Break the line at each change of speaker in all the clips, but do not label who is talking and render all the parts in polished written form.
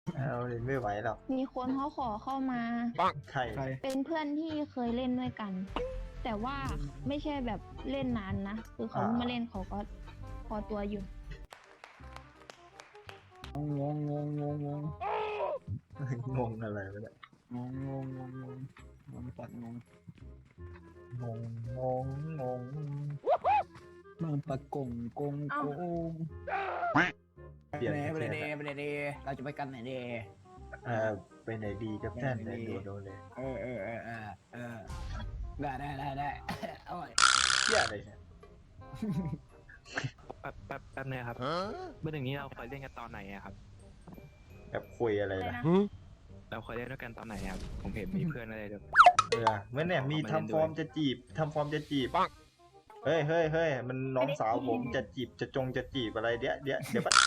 เอาเลยไม่ไหวหรอก
มีคนเขาขอเข้ามา
ใคร
เป็นเพื่อนที่เคยเล่นด้วยกัน แต่ว่าไม่ใช่แบบเล่นนานนะคือเขาเพิ่งมาเล่นเขาก็พอตัวอยู่
งงงงงงงง
งงอะไรวะเนี่ย
งงงงงงงงงสัตว์งง
งงงงงง
มันปะกงกงโกง
เปลี่ยน
ไป
ประ
ไหน
เทศ
ไปไหนดีเราจะไปกันไหนดี
ไปไหนดีกับท่านเนี่ยโดนเลย
ได้เอาไว้
เที่ยอะไรเนี่ย
แป๊บนึงครับเมื่อหนึ่งนี้เราเคยเล่นกันตอนไหนอะครับ
แบบคุยอะไรล่ะ
เราเคยเล่นด้วยกันตอนไหนครับผมเห็นมีเพื่อนอะไรด้วย
เมื่อเนี่ยมีทำฟอร์มจะจีบเฮ้ยมันน้องสาวผมจะจีบจะจีบอะไรเดี๋ยวปั๊บ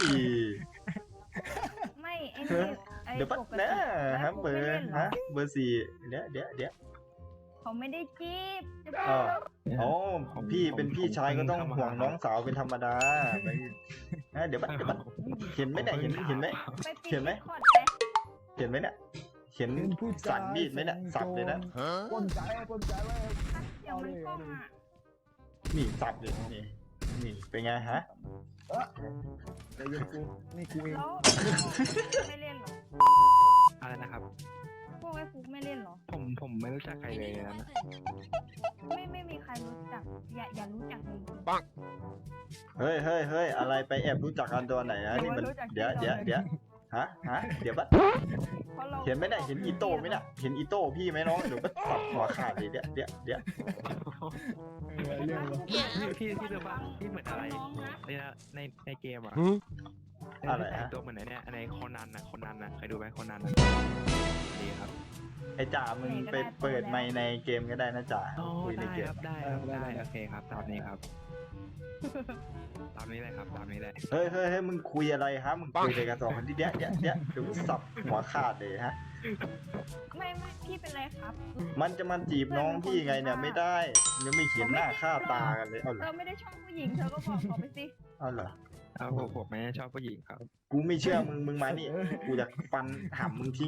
ไม่ไอ้นี่ไอ้
เดี๋ยวปั๊บ
ปกติ
นะฮะ
แล้ว
เบอ
ไม่
ร์
ล่นห
ฮะเบอร์สี่เดี๋ยว
เขาไม่ได้จีบจะบ
อ๋อ
อก
อ๋อพี่เป็นพี่ชายก็ต้องห่วงน้องสาวเป็นธรรมดาเดี๋ยวปั๊บเห็นไหมเนี่ยเห็นไหม
ไปปิด
เห็นไหม
คอร์ดไป
เห็นไหมเนี่ยเห็นสันมีดไหมเนี่ยสับเลยนะ
ปนใจไว้
เดี๋ยวมันกล้องอ่ะ
นี่สับเลยนี่เป็นไงฮะ
เดี๋ยวกูนี่กูเอง
แล้วไม่เล่นเหรอ
อะไรนะครับ
พวกไอ้ฟุกไม่เล่นเหรอ
ผมไม่รู้จักใครเลยนะ
ไม่มีใครรู้จักอย่ารู้จักเลย
เฮ้ยอะไรไปแอบรู้จักกันตัวไหนนะนี่มันเดี๋ยวฮะเดี๋ยวปั๊บ
เพราะเรา
เห็นไหมเนี่ยเห็นอีโต้ไหมเนี่ยเห็นอีโต้พี่ไหมน้องเดี๋ยวก็สับหัวขาดเลยเดี๋ยว
เรื่องวะ
พี่รู้ป่ะพี่เหมือนอะไร
น้องนะ
ในเกมอะ
อะไรฮะ
ตัวเหมือนไหนเนี่ยในโคนันนะเคยดูไหมโคนันดีครับ
ไอ้จ่ามึงไปเปิดไมค์ในเกมก็ได้นะจ่าคุยใน
ได้
เก
ค
ม
รับได้โอเคครับตามนี้ครับตามนี้เลยครับตามนี้เลย
เฮ้ยมึงคุยอะไรฮะมึงคุยอะไรกันสองคนที่เดี๋ยวเดี๋ยวสับหัวขาดเลยฮะ
ไม่พี่เป็นไรครับ
มันจะมาจีบน้องพี่ไงเนี่ยไม่ได้ยังไม่เห็นหน้าค่าตากันเลยเอาเหร
เธ
อ
อไม่ได้ชอบผู้หญิงเธอก็บอกเขาไปสิ
เอาเหรอ
เอาผมไม่ชอบผู้หญิงครับ
กูไม่เชื่อมึงมานี่กูจะฟันหัมึงทิ้ง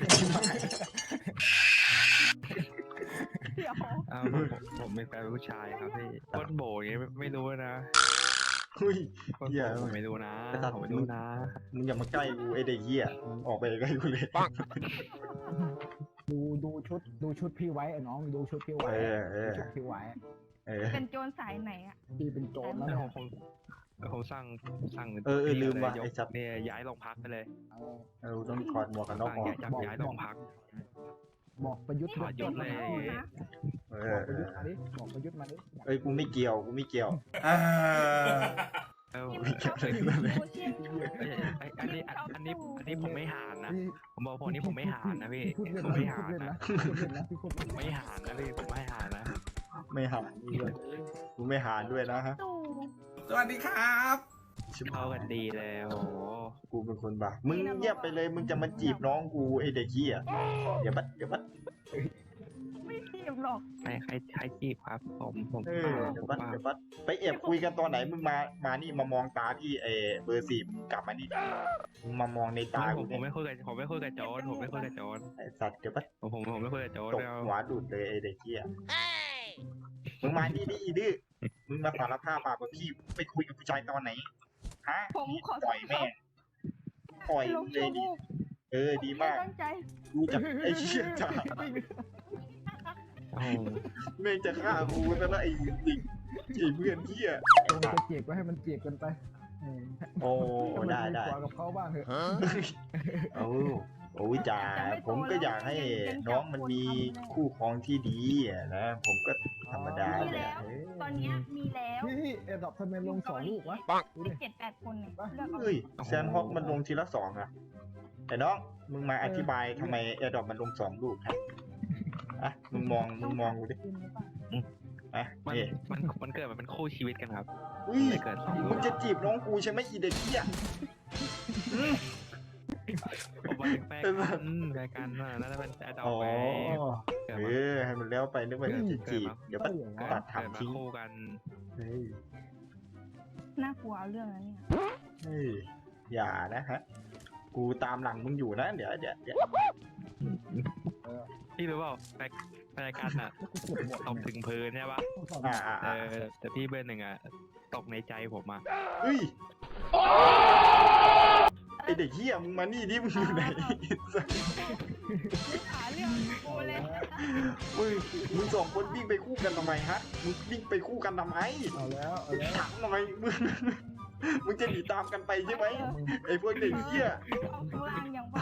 เดี๋ยว
เอาผมเป็นแฟนผู้ชายครับพี่ก้นโบอย่างงี้ไม่รู้นะ
หุ้ย
ก้นโบผมไม่รู้นะผมไม่รู้นะ
มึงอย่ามาใกล้กูไอ้เด็กเหี้ยมึงออกไปใกล้กูเลย
ดูชุดพี่ไว้ไอ้น้องดูชุดพี่ไว้ชุดพี่ไว้
เป็นโจรสายไหนอ่ะ
พี่เป็นโจรแล้ว
แล้ว
เนี่ย
ผมสั่ง
ลืมว่ะ
ย
ไอ้
ก
สับ
เนี่ยย้ายโรงพักไปเลย
ต้องถอดหมวกกันน็อก
สั่ง
ออก
ย้ายโรงพัก
บอกประยุทธ์
ถอดยศเลย
นะ
บอกประยุทธ์มาดิบอกประยุทธ์มาดิ
เอ้ยกูไม่เกี่ยว
เอ้า
นี่มันต้องเป็นผู้เชี่ยวชาญ
อันนี้ผมไม่หานนะผมบอกผมนี่ผมไม่หานนะพี่
พูดเล่น
ผม
นะ
ไม่หาน
พูดเล่น
นะ
นะพูดเล่นนะพี่พูดเล่น
ไม่หานนะพี่ผมไม่หานนะ
ไม่หารด้วยกูไม่หารด้วยนะฮะ
ตู่
สวัสดีครับ
ชิบ
เข้ากันดีแล้วโอ้
กูเป็นคนบ้ามึงเงียบไปเลยมึงจะมาจีบน้องกูไอ้เด็กเหี้ยเดี๋ยวบัด
ไม่จีบหรอก
ใครจีบครับผม
เดี๋ยวบัดไปแอบคุยกันตอนไหนมึงมานี่มามองตาที่เบอร์สี่มึงกลับมานี่มึงมามองในตา
ผ
กู
ม
เนี่ย
ไม่คุยกับผมไม่คุยกับโจรผมไม่คุยกับโจร
ไอ้สัตว์เดี๋ยวบัด
ผมไม่คุยกับโจร
ตกหัวดูดเลยไอ้เด็กเหี้ยมึงมานี่ดิอีดื้อมึงมาสารภาพว่าพี่ไปคุยกับผู้ชายตอนไหนฮะ
ผมขอ
ปล่อยแม่ปล่อย
ลง
เล
ชั่
ยว
โม
ดิ
ง
ดีมาก
ตั้งใจ
กูจะไอ้เชี่ยจ่า
โอ้
แม่งจะฆ่ากูซะแล้วไอ้ดิกไอ้เพื่อนเหี้ย
ตรงจะเจียกก็ให้มันเจียกกันไป
โอ้ได้
กว่ากับเขาบ้างเถอะ
โอ้ยจ่าผมก็อยากให้น้องมันมีคู่ครองที่ดีอะนะผมก็ธรรมดา
มี
แหละ
แล้ว ตอนเนี้ยมีแล้ว
พี่เอ็ดดอกทำไมลง2 ลูกวะดูดิ
มี7-8 คนเนี่ยเลือกเอา
เฮ้ยแซนฮอกมันลงทีละ2อะแต่น้องมึงมาอธิบายทำไมแอร์ดรอปมันลง2 ลูกครับอ่ะมึงมองกูดิอ่ะ
มัน
นี่
มันเกิดมาเป็นคู่ชีวิตกันครับ
อุ้ย
ไม่เกิดสอง
มึงจะจีบน้องกูใช่ไหมอีเด็กเหี้ย
ผมว่าเป็นแฟนกันน่าจะเป็นแอดดอ
อ๋
ก
อ
ไปเกิด
เอ
มา
อให้มันแล้วไปนึกว่าจะจีบเดี๋ยวปัดตัด
เกิด
ทำ
มา
ทิ้ง
คู่กัน
เฮ้ย
น่ากลัวเอาเรื่องนั้นเนี่ย
เฮ้ยอย่านะฮะกูตามหลังมึงอยู่นะเดี๋ยว
พี่รู้เปล่าไปรายการอ่ะ
กูเก็บหมด
ตกถึงพื้นใช่ปะ แต่พี่เบอร์หนึ่งอ่ะตกในใจผมอ่ะ
เฮ้ยไอเด็กเหี้ยมึงมานี่ดิมึงอยู่ไหน
หาเรื่องกูเลย
มึงสองคนวิ่งไปคู่กันทำไมฮะมึงวิ่งไปคู่กันทำไม
เอาแล้ว
ถามทำไมมึงจะหนีตามกันไปใช่ไหมไอพวกเด็กเหี้ย
เอาข้างล่างอย่างบ้า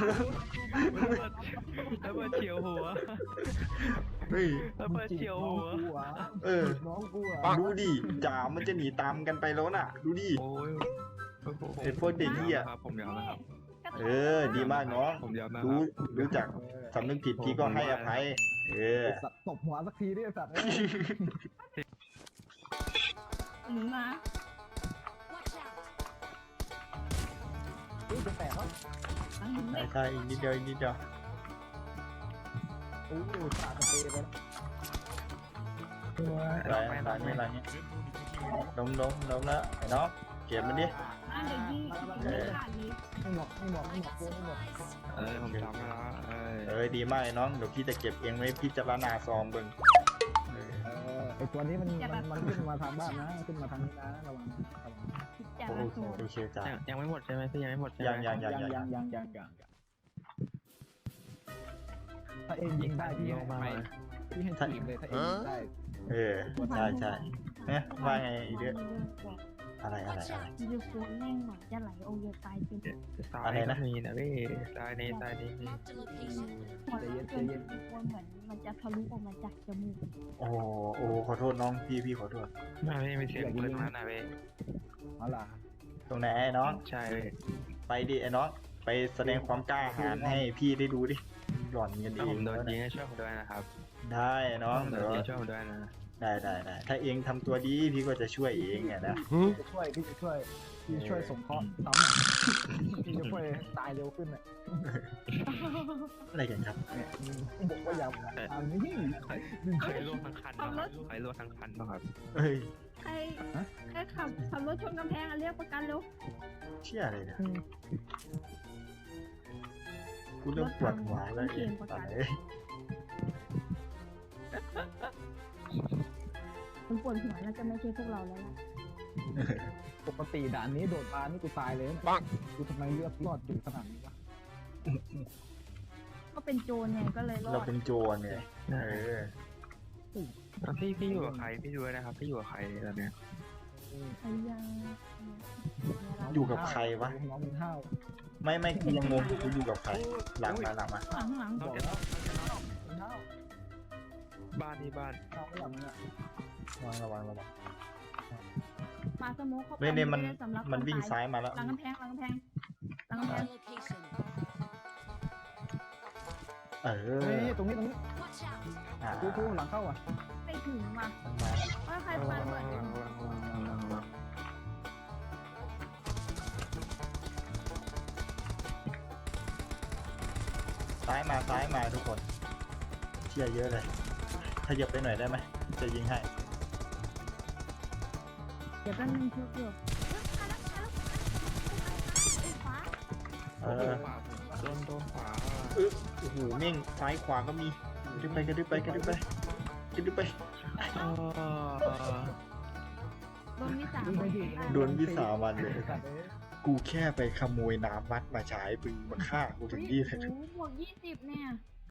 แล้วเบอร์เฉียวหัว
เฮ้ย
แล้วเบอร์เฉียวหัว
น้องกู
ดูดิจ่ามันจะหนีตามกันไปแล้วน่ะ ดูดิ
โอ้ย
ไอ้พวกเด็กเหี้ย
ครับผมยอมนะครับ
ดีมากน้อง
ผมยอมนะค
รู้จักสำนึกผิดพี่ก็ให้อภัย
สัตว์ตบหัวสักทีดิสัตว์
หนูนะ
จะแตกแล้ว
ใช่อีกนิดเดียว
อู้ตาจะเปไป
ไร
แล้ว
ไม่ไรเนี่ยล้มแล้วไอ้น้องเก็บมันดิ
อันเดี๋ยวยิงขาดนี้
ไม่หมดไม่หมด
ผมจำแล้ว
ดีมากไอ้น้องเดี๋ยวพี่จะเก็บเองไว้พี่จะละนาซอมเบิ่ง
ไอตัวนี้มันขึ้นมาทางบ้านนะขึ้นมาทางนี้นะระวัง
จะ
โอเคจ้า
ยังไม่หมดใช่ไหมพี่ยังไม่หมดใช่ไหม
ยัง
ถ้าเองยิงได้พี่ให้ทีมเลยถ้าเองยิงได้
ใช่เนี่ยว่าไงอีเด้ออะไร
ยูฟูเร่งหน่อยจะไหลโอเยตายจริง
อะไรนะมีนะพี่ตายนี้
พอแล้วจนยูฟูเหมือนมันจะทะลุออกมาจากจมูก
โอ้ขอโทษน้องพี่ขอโทษ
ไม่มีเสียงปืนมานะพี่
เอาล่ะ
ตรงไหนไอ้น้อง
ใช่
ไปดิไอ้น้องไปแสดงความกล้าหาญให้พี่ได้ดูดิหล่อนเงิน
ถ้า
เอ
ผ
ง
มโดนยิงให้ช่วยผมด้วยนะครับ
ได้น้อง
โด
เดี๋ย
น
ว
ยิงช่วยผมด้วยนะ
ได้ถ้าเองทำตัวดีพี่ก็จะช่วยเองไงนะ
พี่จะช่วยสงเคราะห์ซ้ำพี่จะช่วยตายเร็วขึ้นอ่ะ
อะไรกันครับ
เนี่ยบอกว่าอย่าทำนี่
ใครลวกทั้งคันใครลวกทั้งคันป่ะครับ
เฮ้ย
ใครขับรถชนกำแพงเรียกประกันเร็ว
เชี่ยอะไรเนี่ยกูเริ่มปวดหัวแล้วเองตอนนี้
มันปวดหัวน่าจะไม่ใช่พวกเราแล้วล่ะ
ปกติด่านนี้โดดมานี่กูตายเลยนะกูทำไมเลือดรอดจุดขนาดนี้วะ
ก็เป็นโจรไงก็เลยรอ
เรา
ด
เป็นโจรไง
พี่อยู่กับใครพี่ดูนะครับพี่อยู่กับใครตอนเนี้ย
ไอ้ยัง
อยู่กับใครวะ
น้องมึงห้าว
ไม่กูยังงงอยู่กูอยู่กับใครหลังมา
หลัง
บอกแล้วมึงห้าว
บ้านที่บ้าน
ห้าวไม่หลับมึงอ่ะ
ระวัง
ปาสโมกเข้าไป
เนี่ยมัน
ไได้สำหรับ
มันวิ่ง
คต
ซ้ายมาแล้ว
หลังกำแพง
เอ
เฮ้
อย
ตรงนี้
อ่า
กูหลังเข้าอ่ะ
ไปถึงว่ะว่าใครปาระเบิด
ซ้ายมาทุกคนเชี่ยเยอะเลยขยับไปหน่อยได้ไหมจะยิงให้
เดี๋ยวแป๊บนึงชุบอยู่
เออ
โดนขวา
โอ้โหเม่งซ้ายขวาก็มีกระดึบไป
โดนวิสา
โดนวิสามันเลย กูแค่ไปขโมยน้ำวัดมาใช้ปึงมาฆ่ากูถึงที่เลย
โอ้โหบวก20เนี่ย